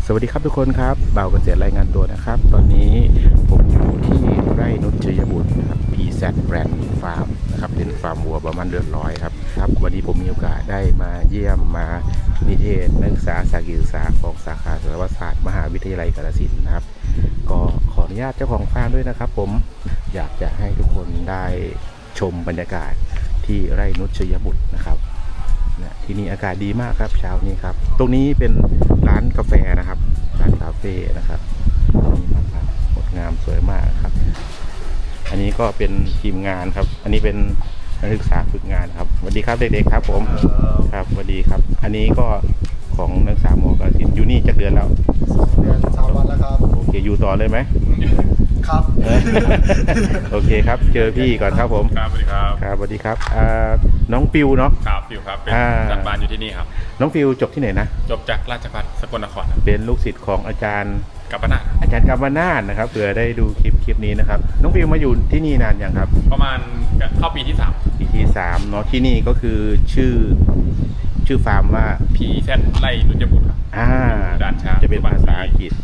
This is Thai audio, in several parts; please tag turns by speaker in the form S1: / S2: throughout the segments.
S1: วัสดีครับทุกคนครับบ่าวเกษตรรายงานตัวนะครับตอนนี้ผมอยู่ที่ไร่นุชชัยบุตรนะครับ PZ Brand Farm นะครับเป็นฟาร์มวัวประมาณเดือนร้อยครับวันนี้ผมมีโอกาสได้มาเยี่ยมมานิเทศนักศึกษาสาขาศึกษาของสาขาสัตวศาสตร์มหาวิทยาลัยกาฬสินธุ์นะครับก็ขออนุญาตเจ้าของฟาร์มด้วยนะครับผมอยากจะให้ทุกคนได้ชมบรรยากาศที่ไร่นุชชัยบุตรนะครับที่นี่อากาศดีมากครับเช้านี้ครับตรงนี้เป็นร้านกาแฟนะครับร้านคาเฟ่นะครับนี่ครับงดงามสวยมากครับอันนี้ก็เป็นทีมงานครับอันนี้เป็นนักศึกษาฝึกงานครับสวัสดีครับเด็กๆครับผมครับสวัสดีครับอันนี้ก็ของนักศึกษามกสินอยู่นี่จักเดือนแล้ว
S2: 2 เดือน 3 วันแล้วครับ
S1: โอเคอยู่ต่อเลยไหม
S2: ครับ
S1: โอเคครับเจอพี่ก่อนครับผม
S3: ครับสวัสดีครับ
S1: ครับสวัสดีครับน้องฟิวเนาะ
S3: ครับฟิวครับเป็นอาจารย์บานอยู่ที่นี่ครับ
S1: น้องฟิวจบที่ไหนนะ
S3: จบจากราชภัฏสกลนคร
S1: เป็นลูกศิษย์ของอาจารย์
S3: กัปนาท
S1: อาจารย์กัปนาทนะครับเผื่อได้ดูคลิปนี้นะครับน้องฟิวมาอยู่ที่นี่นานยังครับ
S3: ประมาณเข้าปีที่3
S1: ปีที่3เนาะที่นี่ก็คือชื่อฟาร์มว่า
S3: PZ ไร่นุชบุตรครับด่านช้าง
S1: จะเป็นภาษาอังกฤษ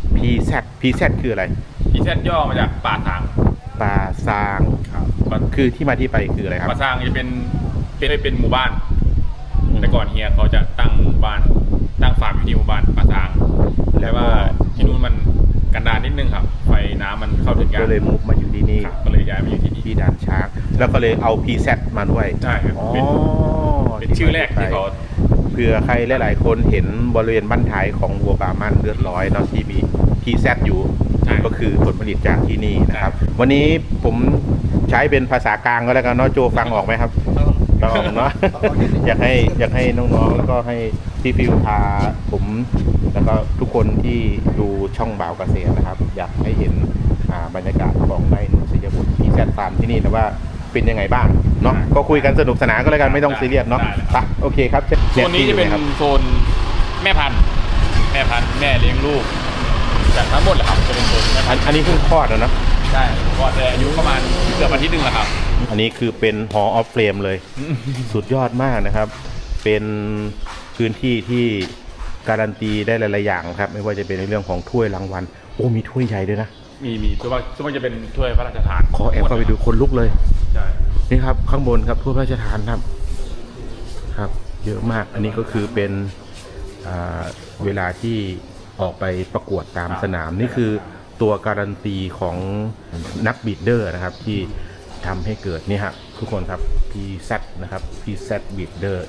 S1: PZ คืออะไร
S3: PZ ย่อมาจากป่าซาง
S1: ครับคือที่มาที่ไปคืออะไรครับ
S3: ป่าซางจะเป็นหมู่บ้านแต่ก่อนเฮียเขาจะตั้งหมู่บ้านตั้งฟาร์มอยู่ที่หมู่บ้านป่าซางแต่ว่าที่นู่นมันกันดารนิดนึงครับไฟน้ำมันเข้าถึงกัน
S1: ก็เลยมุกมาอยู่ที่นี่
S3: ก็เลยย้ายมาอยู่ที่นี่
S1: ที่ด่านช้างแล้วก็เลยเอา PZ มาด้วย
S3: ใช่ครับเป็นชื่อแรกที่เขา
S1: เผื่อใครหลายๆคนเห็นบริเวณบ้านท้ายของวัวบามันเลือดร้อยเนาะที่มี PZ อยู่ก็คือผลผลิตจากที่นี่นะครับวันนี้ผมใช้เป็นภาษากลางก็แล้วกันเนาะโจฟังออกไหมครับต้องเนาะอยากให้น้องๆแล้วก็ให้พี่ฟิวพาผมแล้วก็ทุกคนที่ดูช่องบ่าวเกษตรนะครับอยากให้เห็นบรรยากาศของไร่นุชชัยบุตรPZฟาร์มที่นี่นะว่าเป็นยังไงบ้างเนาะก็คุยกันสนุกสนานก็แล้วกันไม่ต้องซีเรียสเนาะไปโอเคครับ
S3: โซนนี้จะเป็นโซนแม่พันธุ์แม่เลี้ยงลูกจากทั้งหมดแหละครับจะเป็นโซน
S1: อันนี้เพิ่งคลอดนะ
S3: ใช่คลอดแต่อายุประมาณเกือบอาทิตย์นึงแล้วครับ
S1: อันนี้คือเป็น Hall of Fame เลยสุดยอดมากนะครับเป็นพื้นที่ที่การันตีได้หลายๆอย่างครับไม่ว่าจะเป็นในเรื่องของถ้วยรางวัลโอ้มีถ้วยใหญ่ด้วยนะ
S3: มีส่วนมากจะเป็นถ้วยพระราชทาน
S1: ขอแอบเข้าไปดูคนลุกเลย
S3: ใช่
S1: นี่ครับข้างบนครับถ้วยพระราชทานครับเยอะมากอันนี้ก็คือเป็นเวลาที่ออกไปประกวดตามสนามนี่คือตัวการันตีของนักบีดเดอร์นะครับที่ทำให้เกิดนี่ครับทุกคนครับ PZ นะครับ PZ Breeder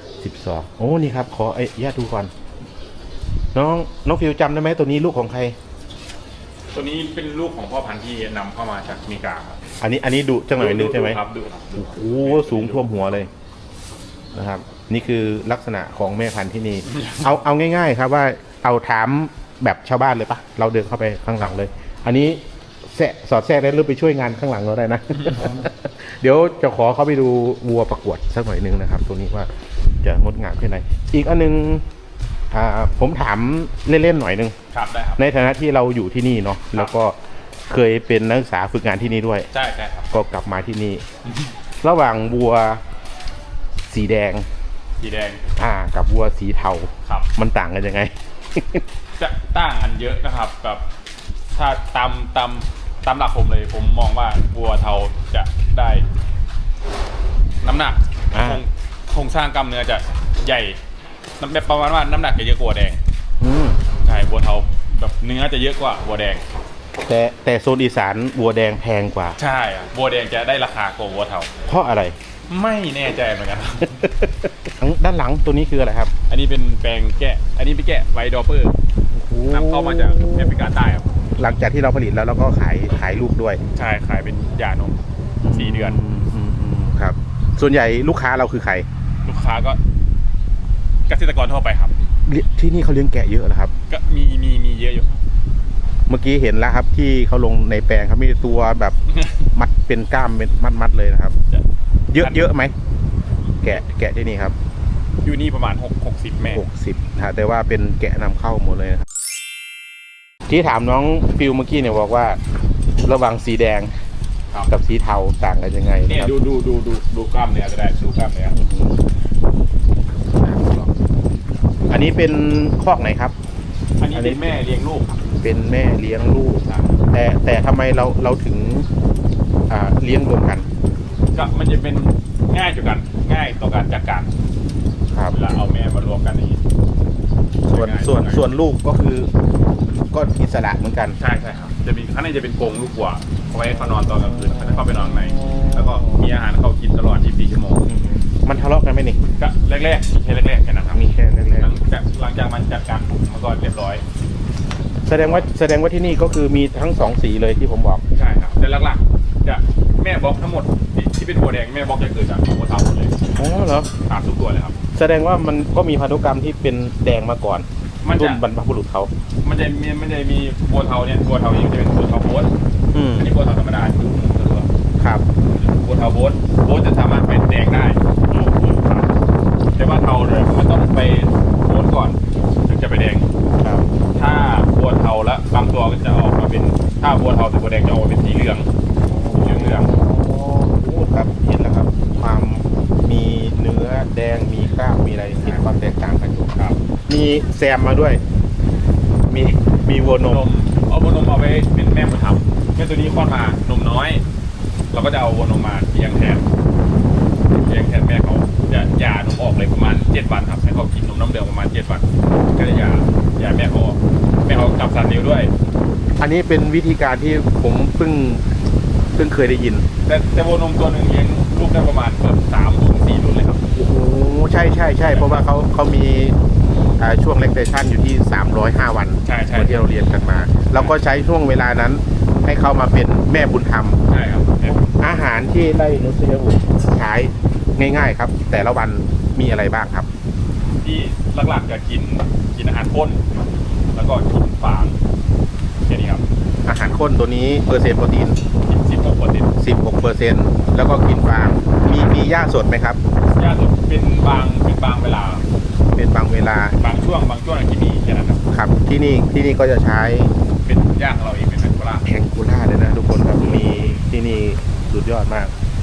S1: 12โอ้นี่ครับขอญาติดูก่อนน้องฟิวจำได้ไหมตัวนี้ลูกของใคร
S3: ตัวนี้เป็นลูกของพ่อพันธุ์ที่นำเข้ามาจากอเมริกาครับ
S1: อันนี้ดูจังหน่อยนึงใช่ไหม
S3: ครับดู
S1: โอ้สูงท่วมหัวเลยนะครับนี่คือลักษณะของแม่พันธุ์ที่นี่เอาง่ายๆครับว่าเอาถามแบบชาวบ้านเลยปะเราเดินเข้าไปข้างหลังเลยอันนี้สอดแทรกได้หรือไปช่วยงานข้างหลังเราได้นะ เดี๋ยวจะขอเข้าไปดูวัวประกวดสักหน่อยนึงนะครับตัวนี้ว่าจะงดงามแค่ไหนอีกอันนึงผมถามเล่นๆหน่อยนึง
S3: ครับได้ครับ
S1: ในฐานะที่เราอยู่ที่นี่เนาะแล้วก็เคยเป็นนักศึกษาฝึกงานที่นี่ด้วย
S3: ใช่ครับ
S1: ก็กลับมาที่นี่ระหว่างวัวสีแดงกับวัวสีเทามันต่างกันยังไง
S3: จะต่างกันเยอะนะครับกับถ้าตามหลักผมเลยผมมองว่าวัวเทาจะได้น้ำหนักโครงสร้างกล้ามเนื้อจะใหญ่แบบประมาณว่าน้ำหนักจะเยอะกว่าวัวแดงใช่วัวเทาแบบเนื้อจะเยอะกว่าวัวแดง
S1: แต่โซนอีสานวัวแดงแพงกว่า
S3: ใช่วัวแดงจะได้ราคากว่าวัวเทา
S1: เพราะอะไร
S3: ไม่แน่ใจเหมือนกัน
S1: ด้านหลังตัวนี้คืออะไรครับ
S3: อันนี้เป็นแปลงแกะอันนี้เป็นแกะไวดอเปอร์นำเข้ามาจากแอฟริกาใต้ครับ
S1: หลังจากที่เราผลิตแล้วเราก็ขายลูกด้วย
S3: ใช่ขายเป็นหย่านม4 เดือน
S1: ครับส่วนใหญ่ลูกค้าเราคือใคร
S3: ลูกค้าก็เกษตรกรทั่วไปครับ
S1: ที่นี่เขาเลี้ยงแกะเยอะเหรอครับ
S3: ก็มีเยอะอยู่
S1: เมื่อกี้เห็นแล้วครับที่เขาลงในแปลงครับมีตัวแบบมัดเป็นก้ามเป็นมัดเลยนะครับเยอะไหมแกะที่นี่ครับ
S3: อยู่นี่ประมาณ60 แม่
S1: 60แต่ว่าเป็นแกะนำเข้าหมดเลยนะครับที่ถามน้องฟิวเมื่อกี้เนี่ยบอกว่าระหว่างสีแดงกับสีเทาต่างกันยังไง
S3: เนี่ยดูกล้ามเนื้อก็ได้ดูกล้ามเนื้อ
S1: อันนี้เป็นคอกไหนครับ
S3: อันนนี้เป็นแม่เลี้ยงลูกครับ
S1: เป็นแม่เลี้ยงลูก
S3: ครับ
S1: แต่ทำไมเราถึงเลี้ยงรวมกัน
S3: ก็มันจะเป็นง่ายต่อการจัดการ
S1: ครับ
S3: เวลาเอาแม่มารวมกันอย่างนี้
S1: ส่วนลูกก็คือก็อิสระเหมือนกัน
S3: ใช่ครับจะมีข้างในจะเป็นกรงลูกวัวเอาไว้เขานอนตอนกลางคืนเขาจะเข้าไปนอนข้างในแล้วก็มีอาหารเขากินตลอด 24 ชั่วโมง
S1: มันทะเลาะกันไหมนี่
S3: ก็แรกๆมีแค่แรกๆแค่นั้นครับ
S1: มีแค่แร
S3: ห
S1: ก
S3: ลังจากมันจัดการมันก็เรียบร้อย
S1: ๆแสดงว่าที่นี่ก็คือมีทั้งสองสีเลยที่ผมบอก
S3: ใช่ครับแต่หลักๆจะแม่บล็อกทั้งหมดที่เป็นวัวแดงแม่บล็อกจะเกิดจากวัวเทาหมดเลย
S1: อ๋อเหรอ
S3: ตามทุกตัวเลยครับ
S1: แสดงว่ามันก็มีพันธุกรรมที่เป็นแดงมาก่อน
S3: มันจะ
S1: รุ่นบรรพบุรุษเขา
S3: มันจะมีวัวเทาเนี่ยวัวเทาเองจะเป็นวัวเทาโบ๊ท
S1: อืม
S3: อันนี้วัวเทาธรรมดาคือตัว
S1: ครับ
S3: วัวเทาโบ๊ทจะสามารถเป็นแดงได้
S1: อืม
S3: แต่ว่าเทาเลยมันต้องไปโบ๊ทก่อนถึงจะไปแดง
S1: ครับ
S3: ถ้าวัวเทาแล้วบางตัวก็จะออกมาเป็นถ้าวัวเทาถึงวัวแดงจะออกมาเป็นสีเหลืองเหลือง
S1: โอ้ครับเห็นแล้วครับ ความมีเนื้อแดงมีกล้ามมีอะไรเห็นความแตกต่างกันอยู่
S3: ครับ
S1: มีแซมมาด้วย มีวัวนม
S3: เอาวัวนมเอาไว้เป็นแม่บุญธรรมแม่ตัวนี้คลอดมานมน้อย เราก็จะเอาวัวนมมาเลี้ยงแทนแม่เขาจะหย่านมออกเลยประมาณ7 วันครับให้เขากินนมน้ำเดือดประมาณ7 วันก็จะหย่าแม่เขาออกแม่เขาจับสัตว์เลี้ยงด้วย
S1: อันนี้เป็นวิธีการที่ผมเพิ่งเคยได้ยิน
S3: แต่วัวนมตัวหนึ่งเลี้ยงลูกได้ประมาณเกือบ3-4 รุ่นเลยครับ
S1: โอ้โหใช่เพราะว่าเขามีช่วงเลคเทชันอยู่ที่305 วัน
S3: ใช่
S1: ที่เราเรียนกันมาเราก็ใช้ช่วงเวลานั้นให้เขามาเป็นแม่บุญธรรม
S3: ใช่ครับ
S1: อาหารที่ไร่นุชยบุตรใช้ง่ายๆครับ แต่ละวันมีอะไรบ้างครับ
S3: ที่หลักๆจะกินอาหารข้นแล้วก็กินฟางแค่นี้ครับ
S1: อาหารข้นตัวนี้เปอร์เซ็นต์โปรตีน
S3: 16%
S1: 16%แล้วก็กินฟางมีหญ้าสดไหมครับ
S3: ยาสุดเป็นบางเวลา
S1: เป็นบางเวลา
S3: บางช่วงที่มีแค่นั้นครับ
S1: ครับที่นี่ก็จะใช้
S3: เป็นย่างของเราเองเป็นแมคโครล่า
S1: แองกูล่าเลยนะทุกคนครับมีที่นี่สุดยอดมาก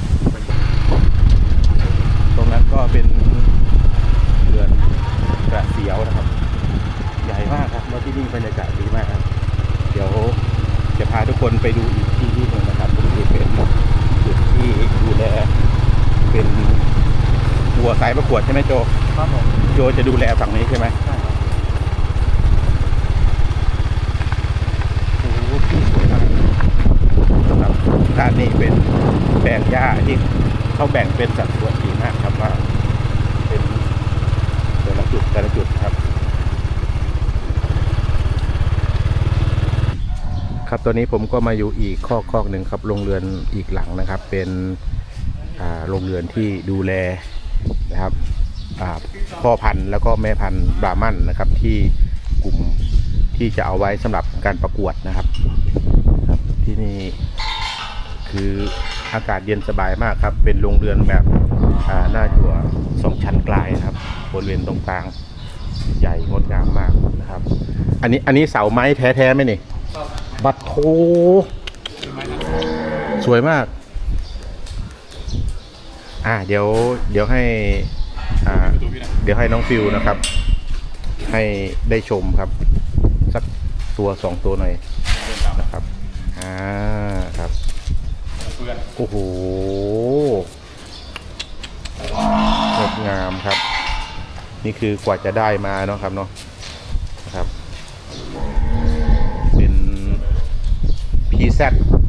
S1: ตรงนั้นก็เป็นเรือนกระเสียวนะครับ ใหญ่มากครับแล้วที่นี่บรรยากาศดีมากครับ เดี๋ยวจะพาทุกคนไปดูอีกที่หนึ่งนะครับก็คือเป็นจุดที่ดูแลเป็นวัวสายประกวดใช่ไหมโจ
S2: ครับผม
S1: โจจะดูแลฝั่งนี้ใช่ไหม
S2: ใช่ครับ
S1: โอ้โหที่สวยมากครับด้านนี้เป็นแปลงหญ้าที่เขาแบ่งเป็นสัดส่วนดีมากครับว่าเป็นแต่ละจุดครับ ครับตอนนี้ผมก็มาอยู่อีกคอกหนึ่งครับโรงเรือนอีกหลังนะครับ เป็นโรงเรือนที่ดูแลนะครับพ่อพันธุ์แล้วก็แม่พันธุ์บราหมันนะครับที่กลุ่มที่จะเอาไว้สำหรับการประกวดนะครับที่นี่คืออากาศเย็นสบายมากครับเป็นโรงเรือนแบบหน้าจั่ว2 ชั้นกลายครับบริเวณตรงกลางใหญ่งดงามมากนะครับอันนี้เสาไม้แท้ๆไหมนี่บัตรโทสวยมากเดี๋ยวให้เดี๋ยวให้น้องฟิวนะครับ ให้ได้ชมครับสักตัว2 ตัวหน่อยนะครับครับโอ้โหงดงามครับนี่คือกว่าจะได้มาเนาะครับเนาะนะครับเป็น PZ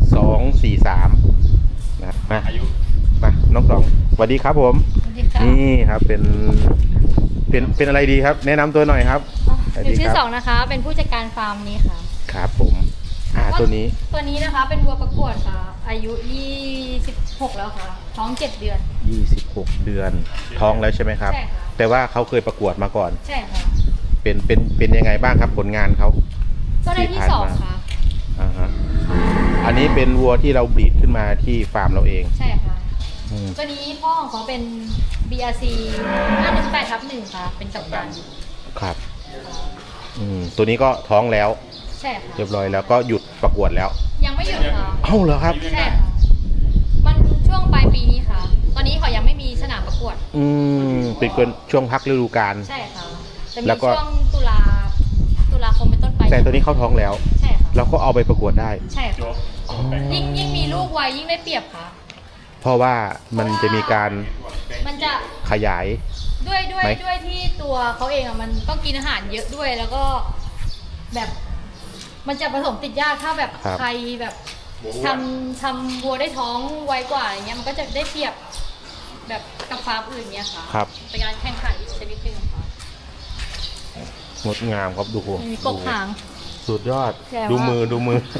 S1: 243นะมาน้องสองสวัสดีครับผม
S4: สวัสดีค่ะ
S1: นี่ครับเป็นอะไรดีครับ แนะนำตัวหน่อยครับ
S4: หนูชื่อสองนะคะ เป็นผู้จัดการฟาร์มนี้ค่ะ
S1: ครับผมตัวนี้
S4: ตัวนี้นะคะเป็นวัวประกวดค่ะ อายุ26แล้วค่ะ ท้อง7 เดือน
S1: 26 เดือนท้องแล้วใช่ไหมครับ
S4: ใช่ค่ะ
S1: แต่ว่าเขาเคยประกวดมาก่อน
S4: ใช่ค่ะ
S1: เป็นยังไงบ้างครับผลงานเขา
S4: ก็ได้ที่
S1: ผ่านมา
S4: 2ค่ะ
S1: อันนี้เป็นวัวที่เราบรีดขึ้นมาที่ฟาร์มเราเอง
S4: ใช่ค่ะ
S1: อืม
S4: ตัวนี้พ่อของเขาเป็น BRC 518/1ค่ะ เป็นกัปตัน
S1: ครับตัวนี้ก็ท้องแล้ว
S4: ใช่ค่ะ
S1: เรียบร้อยแล้วก็หยุดประกวดแล้ว
S4: ยังไม่หยุดค่ะ
S1: เอ้าเหรอครับ
S4: ใช่ค่ะ มันช่วงปลายปีนี้ค่ะ ตอนนี้เขายังไม่มีสนามประกวด
S1: เป็นช่วงพักฤดูกาล
S4: ใช่ค่ะ จะมี
S1: แล้วก็
S4: ช่วงตุลาตุลาคมเป็นต้นไป
S1: แต่ตัวนี้เข้าท้องแล้ว
S4: ใช่ค่ะ
S1: เราก็เอาไปประกวดได้
S4: ใช่
S3: โจ๊
S4: ค่ะ
S3: ก
S4: ยิ่งมีลูกไวยิ่งได้เปรียบค่ะ
S1: เพราะว่ามันจะมีการ
S4: มันจะ
S1: ขยาย
S4: ด้วย
S1: ไหม
S4: ที่ตัวเขาเองอ่ะมันต้องกินอาหารเยอะด้วยแล้วก็แบบ มันจะผสมติดยากถ้าแบบใครแบบทำวัวได้ท้องไวกว่าอย่างเงี้ยมันก็จะได้เปรียบแบบกับฟาร์มอื่นเนี้ยค่ะ
S1: ครับ
S4: เป็นการแข่งขันอีกชนิดหนึ่งค่ะ
S1: งดงามครับดู
S4: มีกบหาง
S1: สุดยอด
S4: แจ๋ว
S1: ดูมือ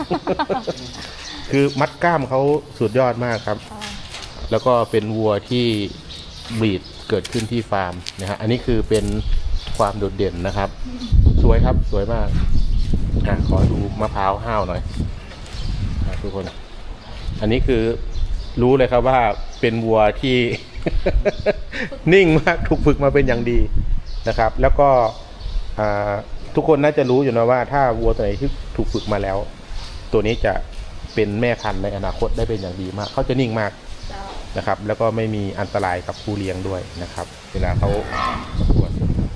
S1: คือมัดกล้ามเขาสุดยอดมากครับ
S4: ค่ะ
S1: แล้วก็เป็นวัวที่บรีดเกิดขึ้นที่ฟาร์มนะฮะอันนี้คือเป็นความโดดเด่นนะครับ สวยครับสวยมากขอดูมะพร้าวห้าวหน่อยทุกคน อันนี้คือรู้เลยครับว่าเป็นวัวที่ นิ่งมากถูกฝึกมาเป็นอย่างดีนะครับ แล้วก็ทุกคนน่าจะรู้อยู่นะว่าถ้าวัวตัวไหนที่ถูกฝึกมาแล้ว ตัวนี้จะเป็นแม่พันธุ์ในอนาคตได้เป็นอย่างดีมากเขาจะนิ่งมากนะครับ แล้วก็ไม่มีอันตรายกับผู้เลี้ยงด้วยนะครับ เวลาเขาประกวด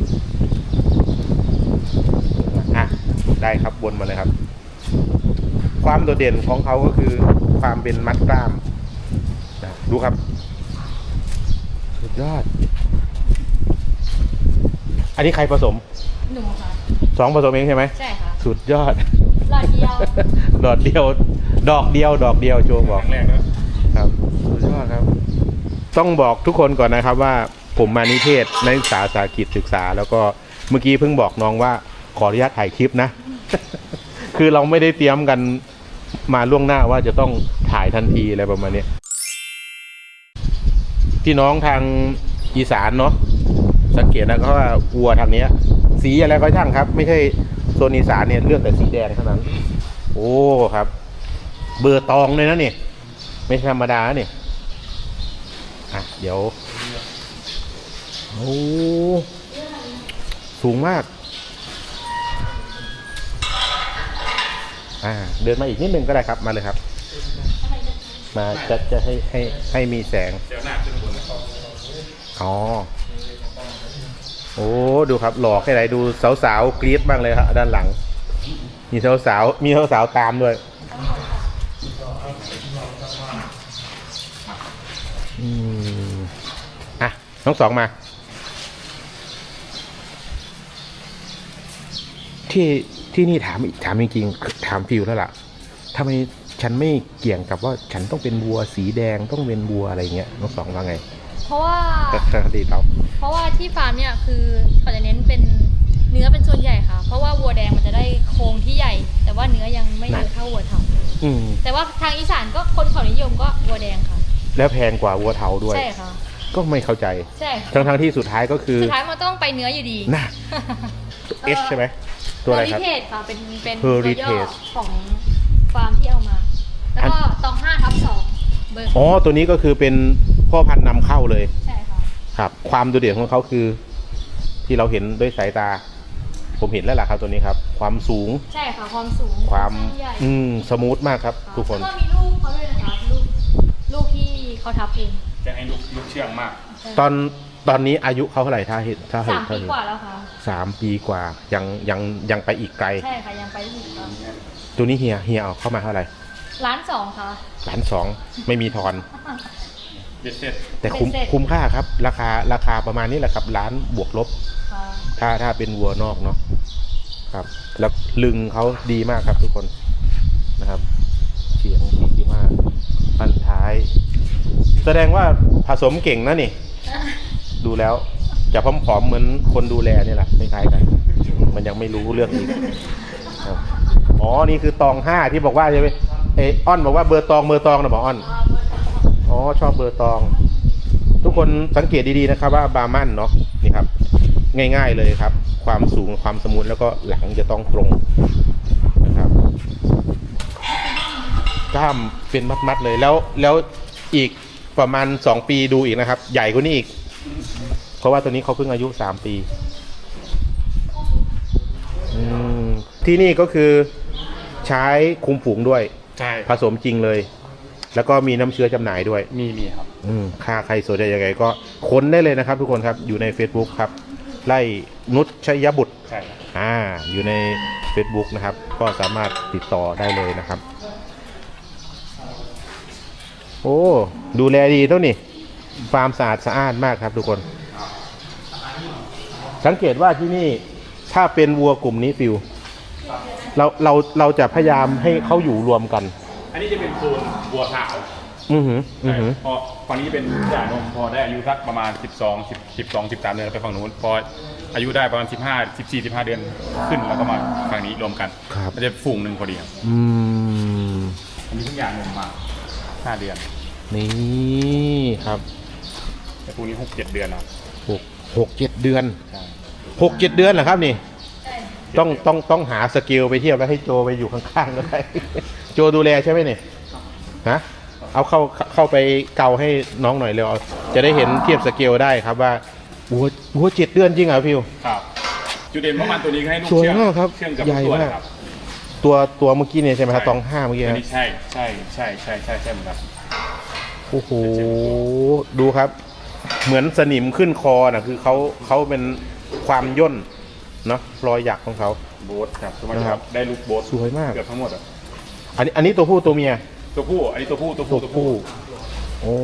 S1: ได้ครับวนมาเลยครับ ความโดดเด่นของเขาก็คือความเป็นมัดกล้ามนะดูครับสุดยอด อันนี้ใครผสม
S4: หนูค่ะ
S1: 2ผสมเองใช่ไหม
S4: ใช่ค่ะ
S1: สุดยอด
S4: หลอดเดียว
S1: ดอกเดียว ดอกเดียวโจบอก
S3: แรกแล้ว
S1: ครับสุดยอดครับ ต้องบอกทุกคนก่อนนะครับว่าผมมานิเทศนักศึกษาสาหกิจศึกษา แล้วก็เมื่อกี้เพิ่งบอกน้องว่าขออนุญาตถ่ายคลิปนะ คือเราไม่ได้เตรียมกันมาล่วงหน้าว่าจะต้องถ่ายทันทีอะไรประมาณนี้พี่น้องทางอีสานเนาะสังเกตนะเขาว่าวัวทางเนี้ย สีอะไรก็ช่างครับ ไม่ใช่โซนอีสานเนี่ยเลือกแต่สีแดงเท่านั้น โอ้ครับ เบอร์ตองเลยนะนี่ไม่ธรรมดาเนี่ยเดี๋ยวโอ้สูงมากเดินมาอีกนิดนึงก็ได้ครับมาเลยครับ มาจะให้มีแสง
S3: เดี๋ยวหน้าขึ้นบนนะครับ
S1: อ๋อโอ้ดูครับหล่อแค่ไหนดูสาวๆกรี๊ดบ้างเลยครับด้านหลัง มีสาวตามด้วยน้องสองมาที่นี่ถามจริงๆถามฟิวแล้วล่ะทำไมฉันไม่เกี่ยงกับว่าฉันต้องเป็นวัวสีแดงต้องเป็นวัวอะไรเงี้ยน้องสองว่าไง
S4: เพราะว่า
S1: ดีเรา
S4: เพราะว่าที่ฟาร์มเนี่ยคือเขาจะเน้นเป็นเนื้อเป็นส่วนใหญ่ค่ะ เพราะว่าวัวแดงมันจะได้โครงที่ใหญ่ แต่ว่าเนื้อยังไม่เยอะเท่าวัวเทาแต่ว่าทางอีสานก็คนเขานิยมก็วัวแดงค่ะ
S1: แล้วแพงกว่าวัวเทาด้วย
S4: ใช่ค่ะ
S1: ก็ไม่เข้าใจ
S4: ใช่ค่ะ
S1: ทั้งที่สุดท้ายก็คือ
S4: สุดท้ายมันต้องไปเนื้ออยู่ดี
S1: น่ะ H ใช่ไหมตัวอะไรครับ
S4: Heritage ค่ะเป็น
S1: Heritage
S4: ตัวย่อของฟาร์มที่เอามา แล้วก็ตอง5/2เบอร์
S1: อ๋อตัวนี้ก็คือเป็นพ่อพันธุ์นำเข้าเลย
S4: ใช่ค่ะ
S1: ครับ ความโดดเด่นของเขาคือ ที่เราเห็นด้วยสายตา ผมเห็นแล้วล่ะครับตัวนี้ครับ ความสูง
S4: ใช่ค่ะความสูง
S1: ความ
S4: ใหญ่
S1: สมูทมากครับ ทุกคน
S4: แล้วก็มีลูกเขาด้วยนะคะลูกที่เขาทับเอง
S3: จะให้ลูกเชื่องมาก
S1: ตอนนี้อายุเขาเท่าไหร่ถ้าเห็น
S4: 3 ปีกว่าแล้วค่ะ
S1: 3 ปีกว่ายังไปอีกไกล
S4: ใช่ค่ะยังไปไม่ถึงค่ะ
S1: ตัวนี้เฮียเอาเข้ามาเท่าไหร่
S4: 1,200,000ค่ะ
S1: 1,200,000ไม่มีทอน
S3: เบ็ดเสร็จ
S1: แต่
S4: เป็นเศษ
S1: คุ้มค่าครับ ราคาประมาณนี้แหละครับล้านบวกลบ
S4: ค่ะ
S1: ถ้าเป็นวัวนอกเนาะครับ แล้วลึงเขาดีมากครับทุกคนนะครับเฉียง45พันท้าย แสดงว่าผสมเก่งนะนี่ ดูแล้วจะผอมๆเหมือนคนดูแลนี่แหละคล้ายๆกัน มันยังไม่รู้เรื่องอีกครับอ๋อนี่คือตอง5ที่บอกว่าใช่ไหมอ้อนบอกว่าเบอร์ตองนะบอกอ้อนอ๋อชอบเบอร์ตอง ทุกคนสังเกตดีๆนะครับว่าบาร์มันเนาะนี่ครับง่ายๆเลยครับ ความสูงความสมูทแล้วก็หลังจะต้องตรงนะครับกล้ามเป็นมัดๆเลยแล้วอีกประมาณ2 ปีดูอีกนะครับ ใหญ่กว่านี้อีก เพราะว่าตัวนี้เขาเพิ่งอายุ3 ปีที่นี่ก็คือใช้คุมฝูงด้วย
S3: ใช่
S1: ผสมจริงเลย แล้วก็มีน้ำเชื้อจำหน่ายด้วย
S3: มีครับ
S1: ค่าใครสนใจยังไงก็ค้นได้เลยนะครับ ทุกคนครับอยู่ใน Facebook ครับไร่นุชชยบุตร
S3: ใช่ครับ
S1: อยู่ใน Facebook นะครับ ก็สามารถติดต่อได้เลยนะครับ โอ้ดูแลดีเท่านี่ฟาร์มสะอาดสะอ้านมากครับทุกคน สังเกตว่าที่นี่ถ้าเป็นวัวกลุ่มนี้ฟิวเราจะพยายามให้เขาอยู่รวมกัน
S3: อันนี้จะเป็นโซนวัวขาว พอฝั่งนี้เป็นหย่านมพอได้อายุสักประมาณ13 เดือนไปฝั่งนู้นพออายุได้ประมาณ14-15 เดือนขึ้นแล้วก็มาฝั่งนี้รวมกัน
S1: ครับ
S3: มันจะฝูงหนึ่งพอดีครับ
S1: ม
S3: อันนี้เพิ่งหย่านมมา5 เดือน
S1: นี่ครับ
S3: แต่พวกนี้6-7 เดือนครับ
S1: 6-7 เดือน
S3: ใช่
S1: 6-7 เดือนเหรอครับนี่ ต้องหาสกิลไปเทียบแล้วให้โจไปอยู่ข้างๆก็ได้ โจดูแลใช่ไหมเนี่ยฮะเอาเข้าไปเกาให้น้องหน่อยเร็วเอาจะได้เห็นเทียบสเกลได้ครับว่าวัว7 เดือนจริงเหรอพี่
S3: ครับจุดเด่นของมันตัวนี้ให้ลูก
S1: สวย
S3: เชื่อง
S1: มากครับ
S3: เชื่องกับ
S1: ใหญ่
S3: ตัว
S1: มาก
S3: นะครับ
S1: ตัวเมื่อกี้เนี่ยใช่ไหมครับตอง5เมื่อกี้
S3: อัน
S1: นะ
S3: นี้ใช่เหมือนกัน
S1: โอ้โหดูครับ เหมือนสนิมขึ้นคอนะคือเขาเป็นความย่นเนาะรอยหยักของเขา
S3: โบ๊ทครับสมัย
S1: นะครับ
S3: ได้ลูกโบ๊ท
S1: สวยมาก
S3: เกือบทั้งหมดอ่ะ
S1: อันนี้ตัวผู้ตัวเมีย
S3: ตัวผู้อันนี้ตัวผู้
S1: โอ้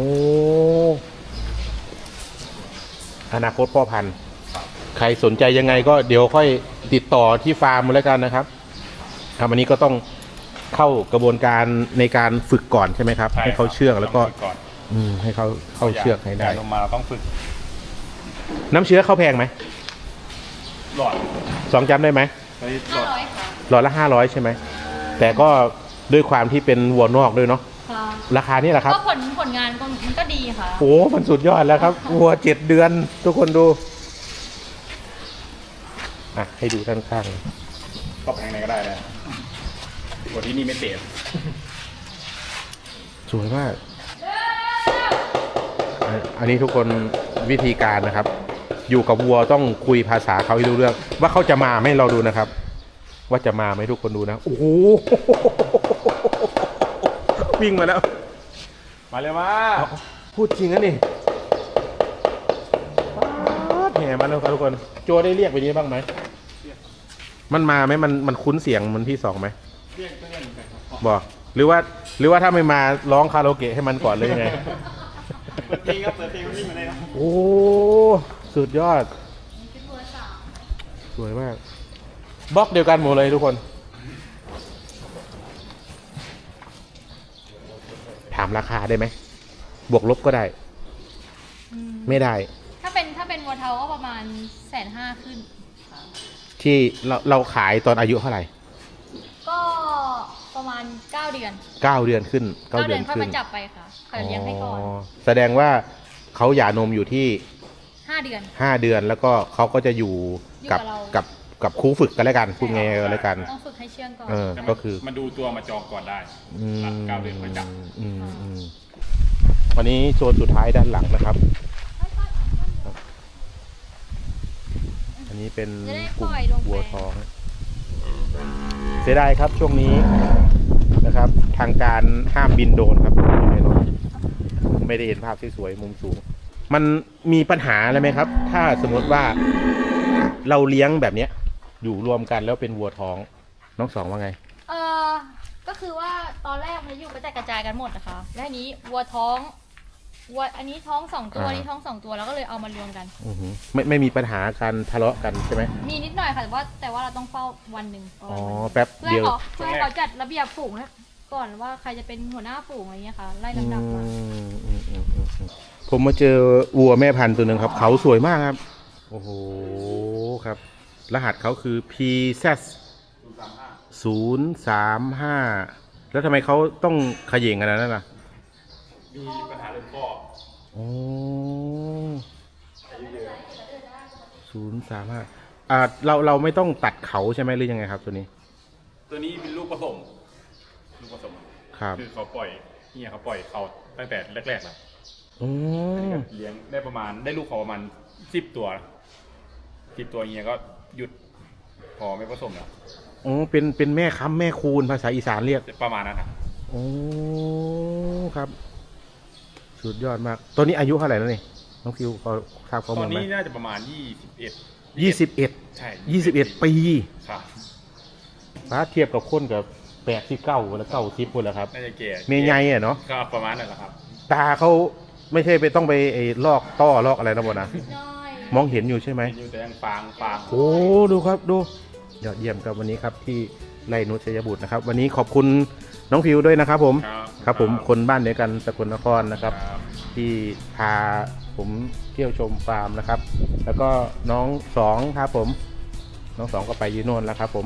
S1: อนาคตพ่อพันธุ์ใครสนใจยังไงก็เดี๋ยวค่อยติดต่อที่ฟาร์มมาแล้วกันนะครับอันนี้ก็ต้องเข้ากระบวนการในการฝึกก่อนใช่ไหมครับ
S3: ช่
S1: ให้เขาเชื่องแล้วก็
S3: ต้องฝึก่อน
S1: ให้เขาเข้าเชือกให้ได้
S3: ลงมาต้องฝึก
S1: น้ำเชื้อเข้าแพงไหม
S3: หลอด
S1: 2จำได้ไหม
S3: ตอนนี้หลอด
S4: 500ค่ะ
S1: หลอดละ500ใช่ไหมแต่ก็ด้วยความที่เป็นวัวนอกด้วยเนาะ
S4: ค่ะ
S1: ราคานี่แหละครับ
S4: ก็ผลงานมันก็ดีค่ะ
S1: โอ้มันสุดยอดแล้วครับ วัว7 เดือน ทุกคนดูให้ดูด้านข้าง
S3: ก็แพงไหนก็ได้เลยตัวที่นี่ไม่เตะ
S1: สวยมาก อันนี้ทุกคนวิธีการนะครับ อยู่กับวัวต้องคุยภาษาเขาให้รู้เรื่อง ว่าเขาจะมาไหมเราดูนะครับ ว่าจะมาไหมทุกคนดูนะ โอ้โห วิ่งมาแล้ว
S3: มาเลยมา
S1: พูดจริงนะนี่ป๊าดแห่มาแล้วครับทุกคน โจได้เรียกไปนี้บ้างไหม มันมาไหมมันคุ้นเสียงมันที่2ไหม
S3: เรียกเหมือนกันครับ
S1: บอกหรือว่าถ้าไม่มาร้องคาราโอเกะให้มันก่อนเลยไง
S3: เปิดเพลงครับเปิดเพลงวิ่งมาเลยครับ
S1: โอ้ สุดยอด
S4: เป็นเบอร์3
S1: สวยมาก บล็อกเดียวกันหมดเลยทุกคน ถามราคาได้ไหม บวกลบก็ได้ ไม่ได้
S4: ถ้าเป็นวัวเทาก็ประมาณ150,000ขึ้นค่ะ
S1: ที่เราขายตอนอายุเท่าไหร่
S4: ก็ประมาณ9 เดือน
S1: 9 เดือนขึ้น 9
S4: 9
S1: เดื
S4: เดื
S1: อ
S4: อน นค่อย
S1: ขึ้
S4: มาน จับไปค่ะคอยเลี้ยงให้ก่อน
S1: แสดงว่าเขาหย่านมอยู่ที่
S4: 5 เดือน
S1: 5 เดือนแล้วก็เขาก็จะอยู่กับ
S4: อยู่กับเรา
S1: กับครูฝึกกันแล้วกันพูดไงกันแล้วกัน
S4: ต้องฝึกให้เชื่องก่อน
S1: ก็คือ
S3: มาดูตัวมาจองก่อนได้9 เดือนค่อยจับ
S1: วันนี้โซนสุดท้ายด้านหลังนะครับ อันนี้เป็น
S4: จะได้
S1: กลุ่ม
S4: ปล่อยลงไป
S1: วัวท้อง เสียดายครับช่วงนี้นะครับ ทางการห้ามบินโดรนครับอยู่ในรถไม่ได้เห็นภาพสวยๆมุมสูง มันมีปัญหาอะไรไหมครับ ถ้าสมมติว่าเราเลี้ยงแบบเนี้ย อยู่รวมกันแล้วเป็นวัวท้อง น้องสองว่าไง
S4: ก็คือว่าตอนแรกมันจะอยู่กระจายกันหมดนะคะ และอันนี้วัวท้องวัวอันนี้ท้อง2 ตัว
S1: อ่า
S4: อันนี้ท้อง2 ตัวแล้วก็เลยเอามารวมกัน
S1: ไม่มีปัญหาการทะเลาะกันใช่ไหม
S4: มีนิดหน่อยค่ะแต่ว่าเราต้องเฝ้าวันหนึ่ง
S1: อ๋อแป๊บ
S4: เพื่อ
S1: เดี
S4: ให้
S1: ยว
S4: เขาจัดระเบียบฝูงนะก่อนว่าใครจะเป็นหัวหน้าฝูงอะไรเงี้ยค่ะไล่ลำดับมา
S1: ผมมาเจอวัวแม่พันธุ์ตัวหนึ่งครับ เขาสวยมากครับ โอ้โหครับ รหัสเขาคือ PZ 035 แล้วทำไมเขาต้องเขย่งกันนั้นล่ะ
S3: มีปัญหาเรื่องข้อ
S1: โอ้035เราไม่ต้องตัดเขาใช่ไหมหรือยังไงครับตัวนี้
S3: ตัวนี้เป็นลูกผสม
S1: ครับ
S3: คือเขาปล่อยเนี่ยเขาปล่อยเขาตั้งแต่แรกๆแล้ว
S1: อืม
S3: เลี้ยงได้ประมาณได้ลูกเขาประมาณ10 ตัวเฮียก็หยุดพอไม่ผสมแล้ว
S1: อ๋อเป็นแม่ค้ำแม่คูณภาษาอีสานเรียก
S3: ประมาณนั้นนะ
S1: โอ้ครับ สุดยอดมาก ตัวนี้อายุเท่าไหร่แล้วนี่น้องฟิวพอทราบข้อ
S3: ต
S1: มู
S3: อ
S1: ล
S3: น
S1: ไหม
S3: นี้น่าจะประมาณ21
S1: 21
S3: ใช่
S1: 21 ปี
S3: ครับ
S1: ถ้าเทียบกับคนกับ89แล้ว90คนแล้วครับ
S3: น่าจะเก๋
S1: เมียใหญ่อะเนาะ
S3: ก็ประมาณนั้นแหละครับ
S1: ตาเขาไม่ใช่ไปต้องไปไอ้ลอกต้อลอกอะไรนะบนะ
S4: น้อย
S1: มองเห็นอยู่ใช่ไหม
S3: อยู่แต่ยังฟาง
S1: โอ้ดูครับดูยอดเยี่ยมครับวันนี้ครับที่ไร่นุชชัยบุตรนะครับ วันนี้ขอบคุณน้องฟิวด้วยนะครับผม ครับผมคนบ้านเดียวกันสกลนครนะครับ ที่พาผมเที่ยวชมฟาร์มนะครับ แล้วก็น้องสองครับผมน้องสองก็ไปอยูโน่นแล้วครับผม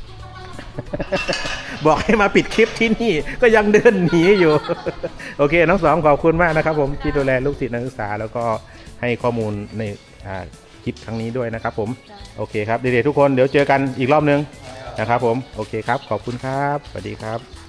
S1: บอกให้มาปิดคลิปที่นี่ก็ยังเดินหนีอยู่ โอเคน้องสองขอบคุณมากนะครับ ผมที่ดูแลลูกศิษย์นักศึกษาแล้วก็ให้ข้อมูลในคลิปครั้งนี้ด้วยนะครับผมโอเคครับเด็กๆทุกคนเดี๋ยวเจอกันอีกรอบนึงนะครับผมโอเคครับขอบคุณครับสวัสดีครับ